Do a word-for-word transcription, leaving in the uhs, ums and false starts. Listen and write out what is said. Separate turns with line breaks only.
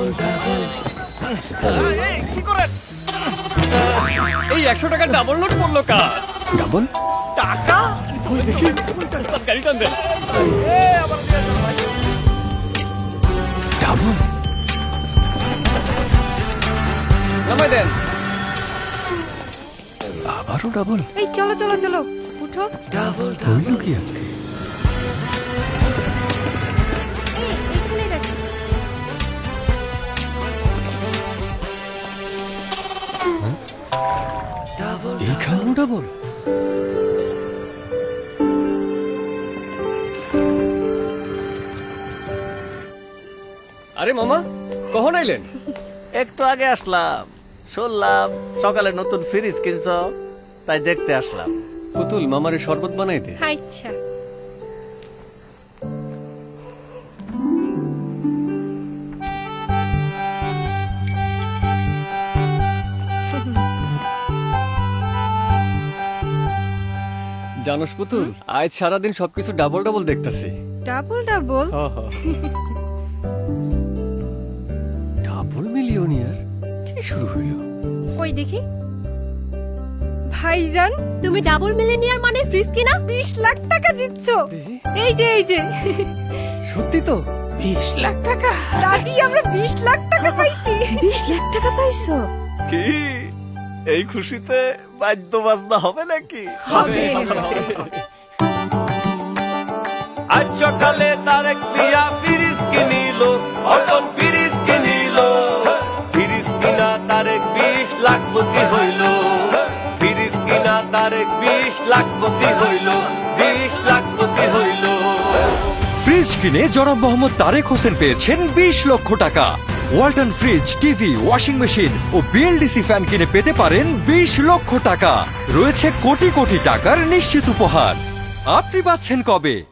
কি করেন?
এই একশো টাকার ডাবল নোট পড়লো কার?
ডাবল
টাকা?
দেখি গাড়ি টান দেন।
এ, আবার দিয়ে আসেন ভাই।
ডাবল
নামাই দেন।
আবারও ডাবল
এই চলো চলো চলো উঠো।
হইল কি আজকে?
এই এখানে রাখো।
এইখানেও ডাবল?
আরে মামা কখন আইলেন?
একটু আগে আসলাম, শুনলাম সকালে নতুন ফ্রিজ কিনছ, তাই দেখতে আসলাম।
পুতুল মামারে শরবত বানাই দে।
আচ্ছা
জানোস পুতুল, আজ সারাদিন সবকিছু ডাবল ডাবল দেখতাছি।
ডাবল ডাবল
ডাবল মিলিয়নিয়ার কি শুরু হইল?
কই দেখি। ভাইজান
তুমি ডাবল মিলিয়নিয়ার মানে ফ্রিজ কিনা?
বিশ লাখ টাকা জিতছো। এই যে এই যে
সত্যি তো?
বিশ লাখ টাকা?
দাদি আমরা বিশ লাখ টাকা পাইছি।
বিশ লাখ টাকা পাইছো?
কি এই খুশিতে বাদ্য বাজনা হবে নাকি?
হবে
আজ সকালে তারেক মিয়া ফ্রিজ কিনিল, অটল ফ্রিজ কিনিল। ফ্রিজ কিনা তারেক বিশ লাখপতি হইল, ফ্রিজ কিনা তারেক বিশ লাখপতি হইল, বিশ লাখপতি হইল।
ফ্রিজ কিনে জনাব মোহাম্মদ তারেক হোসেন পেয়েছেন বিশ লক্ষ টাকা। Walton fridge, TV, washing machine ও বিএলডিসি ফ্যান কিনে পেতে পারেন বিশ লক্ষ টাকা। রয়েছে কোটি কোটি টাকার নিশ্চিত উপহার। আপনি পাচ্ছেন কবে?